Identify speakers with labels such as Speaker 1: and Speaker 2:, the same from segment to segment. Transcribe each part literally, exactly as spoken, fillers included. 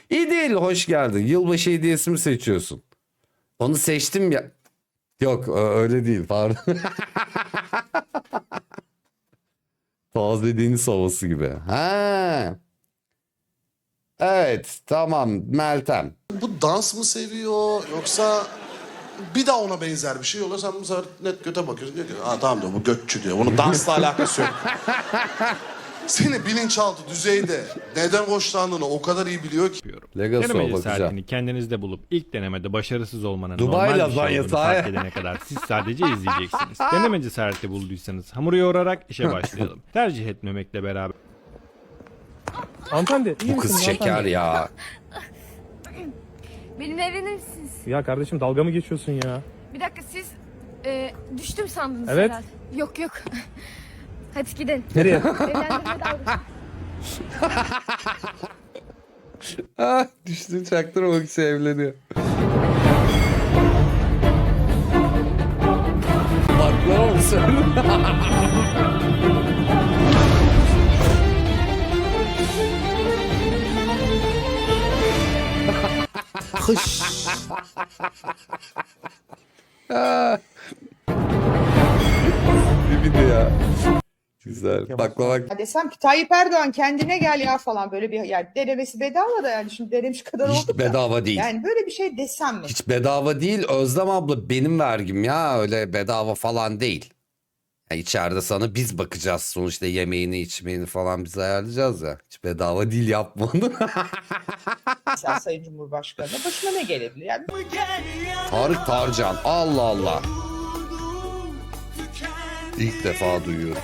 Speaker 1: İyi değil, hoş geldin. Yılbaşı hediyesi mi seçiyorsun? Onu seçtim ya. Yok öyle değil, pardon. Taze deniz havası gibi. Ha. Evet, tamam Meltem.
Speaker 2: Bu dans mı seviyor yoksa bir daha ona benzer bir şey oluyor. Sen bu sefer net göte bakıyorsun. Diyor ki, ha tamam diyor, bu götçü diyor. Bunun dansla alakası yok. Seni bilinçaltı düzeyde neden hoşlandığını o kadar iyi biliyor ki.
Speaker 1: Legacy
Speaker 3: Deneme
Speaker 1: bakacağım.
Speaker 3: cesaretini kendinizde bulup ilk denemede başarısız olmanın
Speaker 1: Dubai
Speaker 3: normal bir şey
Speaker 1: lazanyası,
Speaker 3: olduğunu fark
Speaker 1: ha.
Speaker 3: edene kadar siz sadece izleyeceksiniz. Deneme cesareti bulduysanız hamuru yoğurarak işe başlayalım. Tercih etmemekle beraber
Speaker 4: Hanımefendi iyi
Speaker 1: Bu kız
Speaker 4: misiniz
Speaker 1: şeker
Speaker 4: hanımefendi?
Speaker 1: ya.
Speaker 5: Benimle evlenir misiniz?
Speaker 4: Ya kardeşim dalga mı geçiyorsun ya?
Speaker 5: Bir dakika siz e, düştüm sandınız
Speaker 4: Evet.
Speaker 5: herhalde. Yok yok. Hadi gidelim.
Speaker 4: Nereye?
Speaker 5: Evlendirme dalgası.
Speaker 1: Ah, düştü çaktırmamak için evleniyor. Baklava mı söyledin?
Speaker 2: Hış.
Speaker 1: Bir video ya. Güzel. Baklava.
Speaker 6: Ya desem ki Tayyip Erdoğan kendine gel ya falan böyle bir yani denemesi bedava da yani şimdi denemiş kadar
Speaker 1: Hiç
Speaker 6: olduk da.
Speaker 1: bedava değil.
Speaker 6: Yani böyle bir şey desem mi?
Speaker 1: Hiç bedava değil. Özlem abla benim vergim ya. Öyle bedava falan değil. Ya içeride sana biz bakacağız sonuçta, yemeğini içmeğini falan biz ayarlayacağız ya. Hiç bedava değil, yapma onu.
Speaker 6: Mesela Sayın Cumhurbaşkanı'na başına ne gelebilir? Yani
Speaker 1: Tarık Tarcan. Allah Allah. İlk defa duyuyorum.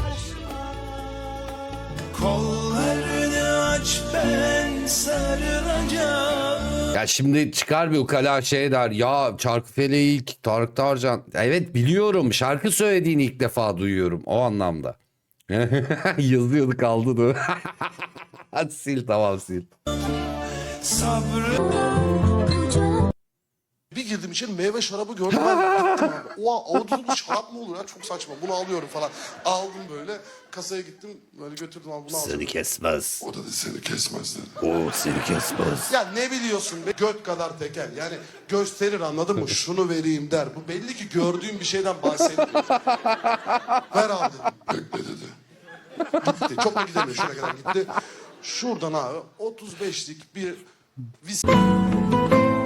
Speaker 7: Kollarını aç ben sarılacağım.
Speaker 1: Ya şimdi çıkar bir ukala şey der. Ya Çarkıfele'yi ilk Tarık Tarcan. Evet biliyorum. Şarkı söylediğini ilk defa duyuyorum. O anlamda. Yazıyordu kaldı da. Hadi sil, tamam sil.
Speaker 7: Sabrı
Speaker 2: Bir girdim içeri meyve şarabı gördüm ben. Gittim abi. Oha avuçlu şarap mı olur ya, çok saçma, bunu alıyorum falan. Aldım böyle kasaya gittim böyle götürdüm abi, bunu aldım.
Speaker 1: Seni kesmez.
Speaker 2: O da dedi seni kesmez dedi.
Speaker 1: O seni kesmez.
Speaker 2: Ya ne biliyorsun be, göt kadar teker yani gösterir, anladın mı, şunu vereyim der. Bu belli ki gördüğüm bir şeyden bahsediyor. Ver abi dedim. Bekle dedi. Gitti, çok da gidemiyor, şuraya kadar gitti. Şuradan abi otuz beşlik bir vis...